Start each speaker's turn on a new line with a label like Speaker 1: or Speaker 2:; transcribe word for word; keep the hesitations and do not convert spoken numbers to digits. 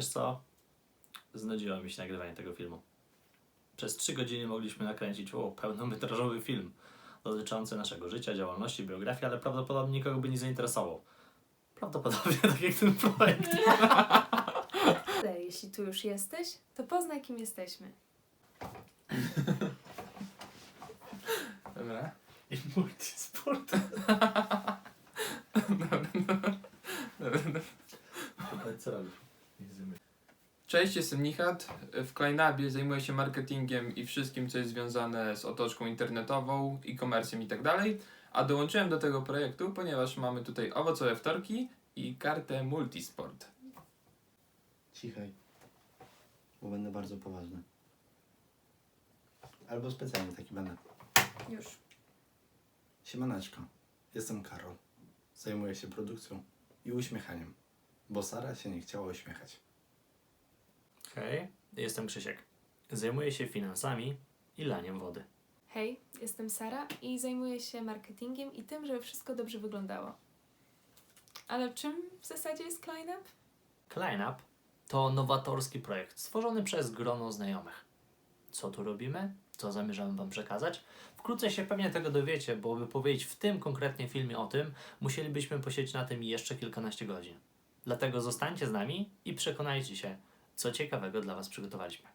Speaker 1: Wiesz co? Znudziło mi się nagrywanie tego filmu. Przez trzy godziny mogliśmy nakręcić o, pełnometrażowy film dotyczący naszego życia, działalności, biografii, ale prawdopodobnie nikogo by nie zainteresował. Prawdopodobnie tak jak ten projekt.
Speaker 2: Ale jeśli tu już jesteś, to poznaj, kim jesteśmy.
Speaker 3: Dobra.
Speaker 1: I multisport. Co robisz?
Speaker 3: Cześć, jestem Nichat. W Kleinabie zajmuję się marketingiem i wszystkim, co jest związane z otoczką internetową, e-commerce'em i tak dalej. A dołączyłem do tego projektu, ponieważ mamy tutaj owocowe wtorki i kartę Multisport.
Speaker 4: Cichaj, bo będę bardzo poważny. Albo specjalnie taki będę.
Speaker 2: Już.
Speaker 4: Siemaneczko, jestem Karol. Zajmuję się produkcją i uśmiechaniem, bo Sara się nie chciała uśmiechać.
Speaker 1: Hej, jestem Krzysiek. Zajmuję się finansami i laniem wody.
Speaker 2: Hej, jestem Sara i zajmuję się marketingiem i tym, żeby wszystko dobrze wyglądało. Ale czym w zasadzie jest Kleinab?
Speaker 1: ClineUp to nowatorski projekt stworzony przez grono znajomych. Co tu robimy? Co zamierzamy Wam przekazać? Wkrótce się pewnie tego dowiecie, bo by powiedzieć w tym konkretnie filmie o tym, musielibyśmy posiedzieć na tym jeszcze kilkanaście godzin. Dlatego zostańcie z nami i przekonajcie się, co ciekawego dla Was przygotowaliśmy.